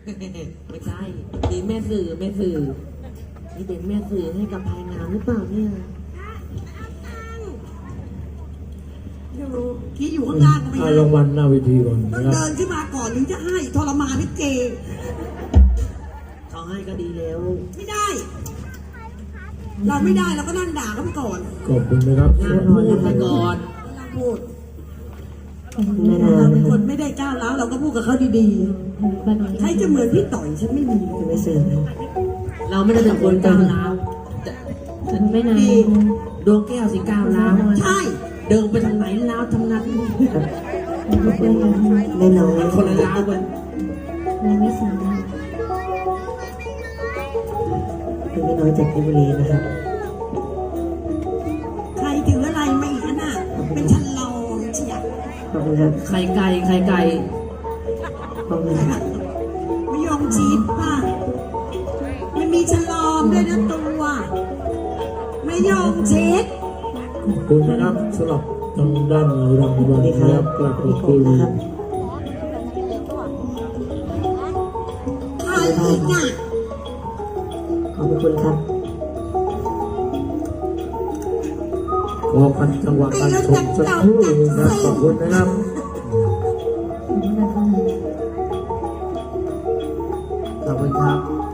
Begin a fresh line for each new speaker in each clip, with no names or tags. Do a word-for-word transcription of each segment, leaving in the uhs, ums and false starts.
ไม่ใช่มีแม่สื่อแม่สื่อนี่เป็นแม่สื่อให้กับภายงานหรือเปล่าเนี่ย
ดูคิดอยู่ข้างล่างก็ไม่
ให้
ได้
รางวัลหน้าเวทีก่อน
ต้อง
นะครับ
เดินขึ้นมาก่อนถึงจะให้ทรมานพี่เจ
เขาให้ก็ดีแล้ว
ไม่ได้ เราไม่ได้เราก็นั่งด่าเขาไปก่อน
ขอบคุณนะครับ
งานพูดไปก่อน
นั่งพูดเราเป็นคนไม่ได้ก้าวร้าวเราก็พูดกับเขาดีๆใครจะเหมือนพี่ต่อยฉันไม่มีจะไม่เสื่อม
เราไม่ได้เป็นคนก้าวร้าวฉันไม่นานดวงแก้วสิก้าวร้าว
ใช่
เดินไปทางไหนร้าวทางนั้น
แน่นอน
คนละร้าวกัน
ไม่สามารถ
คุณไม่น้อยจากเพชรบุรีนะครับใครถืออะไรมาอีกน่ะเป็นชันลองเชียร์ขอบคุณครับ
ไข่ไก่ไข่ไก่
ขอบคุณครับไม่ยอมชีสป่ะมันมีฉลอมด้วยนะตัวไม่ยอมเช็ด
ขอบคุณนะครับสำหรับทางด้านรางวัลนะครับกราบขอบคุณ
ใครอีกอ่ะขอบคุณครับ
ขอพันจังหวะการชมสักครู่นะครับขอบคุณนะครับ
ขอบคุณครับ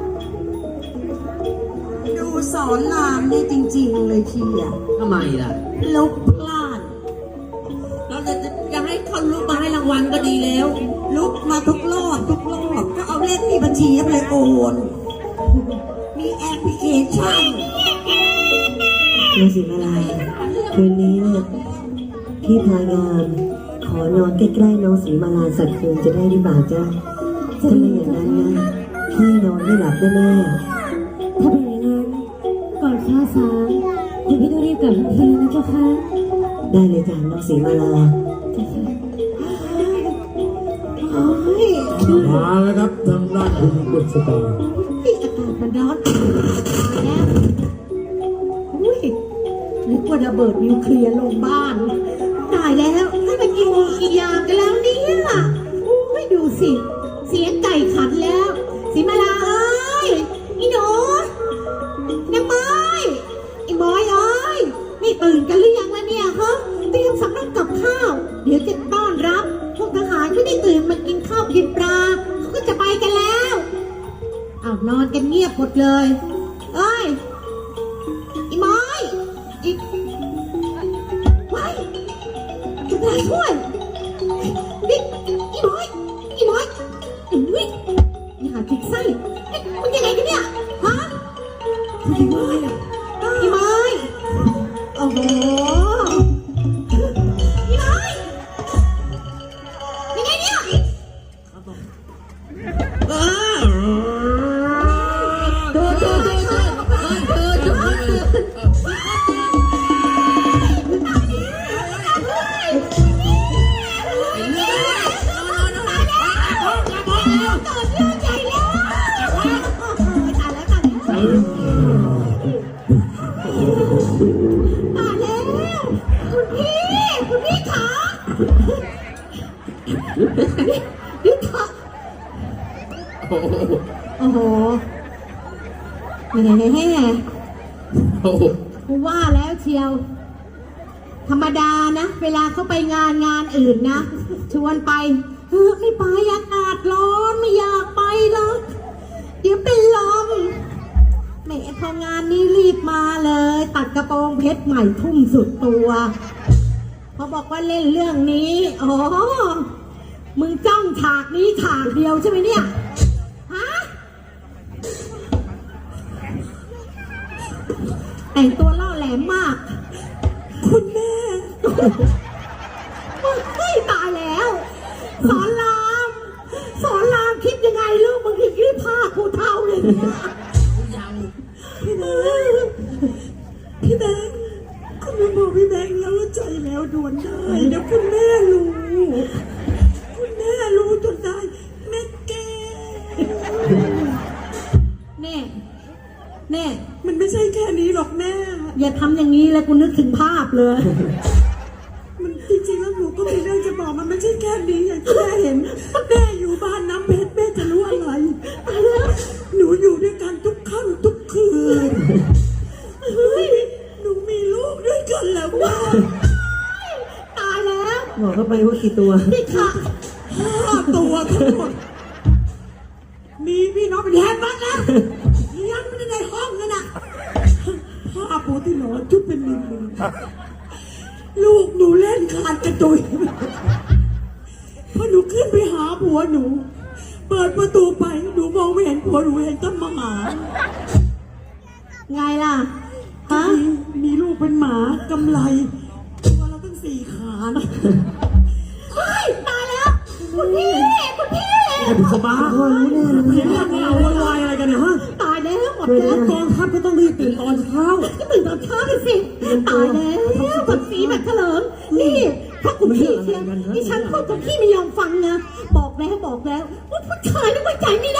ดูสอนรามเนี่ยจริงๆเลยทีอ่ะ
ทำไมล่ะ
ลุกพลาด
เราจะจะให้เขาลุกมาให้รางวัลก็ดีแล้ว
ลุกมาทุกรอบทุกรอบก็เอาเลขที่บัญชีไปเลยโอนมีแอปพลิเคชัน
น้องสีมาลายคืนนี้เนี่ยพี่พายามขอนอนใกล้ๆน้องสีมาลาสักคืนจะได้หรือเปล่าจ๊ะถ้าไม่อย่างนั้นนะพี่นอนไม่หลับแน่
ถ้าเป็นอย่างนั้นก่อนฟ้าสางเดี๋ยวพี่ต้องรีบกลับทันทีนะเจ้าค่ะ
ๆได้เลยจ้ะน้องสีมาลา
เจ้าค่ะ
โอ้ย
มาแล้วครับทางด้านคุณบุษบา
นี่อากาศมันร้อนตายแล้วอุ้ยนึกว่าระเบิดนิวเคลียร์ลงบ้านตายแล้วให้มันกินกี่อย่างกันแล้วเนี่ยอุ้ยดูสิเสียงไก่ขันแล้วสีมาลาเอ้ยอีหนูนางไม้ไอ้บอยเอ้ยไม่ตื่นกันหรือยังล่ะเนี่ยฮะเตรียมสำรับกับข้าว เดี๋ยวจะต้อนรับพวกทหารไม่ได้ตื่นมากินข้าวกินปลาเขาก็จะไปกันแล้วอ้าวนอนกันเงียบหมดเลยเอ้ยอีไม้อีไว้คุณนายช่วยนี่อีไม้อีไม้อุ้ยอย่าจิกไส้นี่มันยังไงกันเนี่ยฮะอีไม้อะอีไม้โอ้โหอีไม้ยังไงเนี่ย
เออเธอเธอเธอเธอเธอเธอ
มาแล้วคุณพี่คุณพี่ขานี่ขา
โอ้โห
โอ้โหแหม
โอ้โห
กูว่าแล้วเชียว ธรรมดานะ เวลาเขาไปงานงานอื่นนะ ชวนไปเฮ้ยไม่ไปอากาศร้อนไม่อยากไปหรอกเดี๋ยวเป็นลมแหมพองานนี้รีบมาเลย ตัดกระโปรงเพชรใหม่ทุ่มสุดตัวเขาบอกว่าเล่นเรื่องนี้อ๋อมึงจ้องฉากนี้ฉากเดียวใช่ไหมเนี่ยฮะแต่งตัวล่อแหลมมาก คุณแม่เฮ้ยตายแล้ว สอนราม สอนรามคิดยังไงลูกมึงถึงรีบพาผู้เท่าเลยเนี่ย
ยัง
พี่แบงค์พี่แบงค์คุณแม่บอกพี่แบงค์แล้วว่าใจแล้วด่วนได้เดี๋ยวคุณแม่รู้คุณแม่รู้จนได้แม่แกแน่แน่มันไม่ใช่แค่นี้หรอกแม่อย่าทำอย่างนี้แล้วกูนึกถึงภาพเลย มันจริงๆแล้วหนูก็มีเรื่องจะบอกมันไม่ใช่แค่นี้อย่างที่แม่เห็นแม่อยู่บ้านน้ำเพชรแม่จะรู้อะไรนี่ค่ะห้าตัวทั้งหมดมีพี่น้องเป็นแทนบ้านแล้วเลี้ยงไม่ได้ในห้องนั่นน่ะผ้าปูที่นอนชุดเป็นหนึ่งลูกหนูเล่นคานกระจุยพอหนูขึ้นไปหาผัวหนู เปิดประตูไปหนูมองไม่เห็นผัวหนูเห็นต้นมะหมาไงล่ะฮะมีลูกเป็นหมากำไรตัวเราตั้งสี่ขาเฮ้ยตายแล้วคุณพี่คุณพี่
ไอ้บุษบา
พ่อรู้แน่เลย
เสียงเงาโวยวายอะไรกันเนี่ยฮะ
ตายแล้วหมดแล้ว
กองทัพก็ต้องรีบตื่นตอนเช้า
ก็ตื่นตอนเช้าไปสิตายแล้วผัดสีแบบเถลิมนี่ถ้าคุณพี่เชียร์ดิฉันพูดกับพี่ไม่ยอมฟังนะบอกแล้วบอกแล้วว่าผู้ชายนี่ไว้ใจไม่